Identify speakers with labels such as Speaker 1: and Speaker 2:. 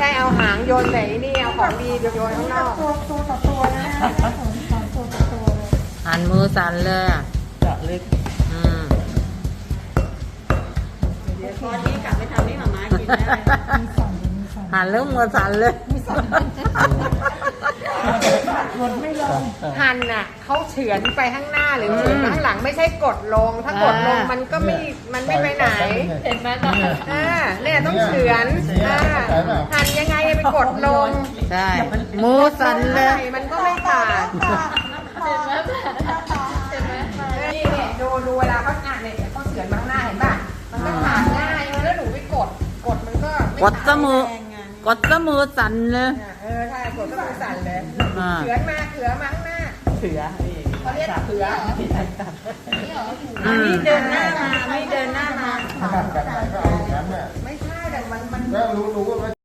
Speaker 1: ช่เอาหางโยนใส่นี่เอาของดีโยนข้างนอก
Speaker 2: ตัวต่อตัวนะสอนตัวต่อตัวเลย
Speaker 3: หันมือสั่นเลยอะ
Speaker 4: เจาะลึก
Speaker 1: เดี๋ยวตอนนี้กลับไปทำให้หมาม้ากินได้
Speaker 2: มีสอนมีสอน
Speaker 3: หันแล้วมือสั่นเลย
Speaker 2: มีสอนกดไม่ลง
Speaker 1: หั่นน่ะเขาเฉือนไปข้างหน้าหรือเฉือนข้างหลังไม่ใช่กดลง ถ้ากดลงมันก็มันไม่ไปไหน
Speaker 4: เห็นไหมตอน
Speaker 1: เนี่ยต้องเฉือนหั่นยังไงไปกดลง
Speaker 3: ใช่มือสั่นเลย
Speaker 1: มันก็ไม่ขาด
Speaker 4: เห็นไหมเห็นไหม
Speaker 1: นี่เนี่ยดูเวลาเขาเนี่ยเขาเฉือนมาข้างหน้าเห็นป่ะมันก็ขาดง่ายแล้วหนูไปกดมันก็ไม่
Speaker 3: กด
Speaker 1: ขา
Speaker 3: ซะมือ กดซะมือสั่นเลย
Speaker 1: ใช่กดก็มือสั่นเลย
Speaker 3: อ่า
Speaker 1: เฉือนมาข้างหน้า
Speaker 4: เสือ
Speaker 1: เขาเรียกเขือ
Speaker 3: อืม
Speaker 1: เดินหน้ามาไม่เดินหน้ามา
Speaker 5: ขนาดแบบไหนก็เอาอย่างนั้นน่ะ
Speaker 1: ไม่ใช่แต่มัน
Speaker 5: ก็รู้ว่า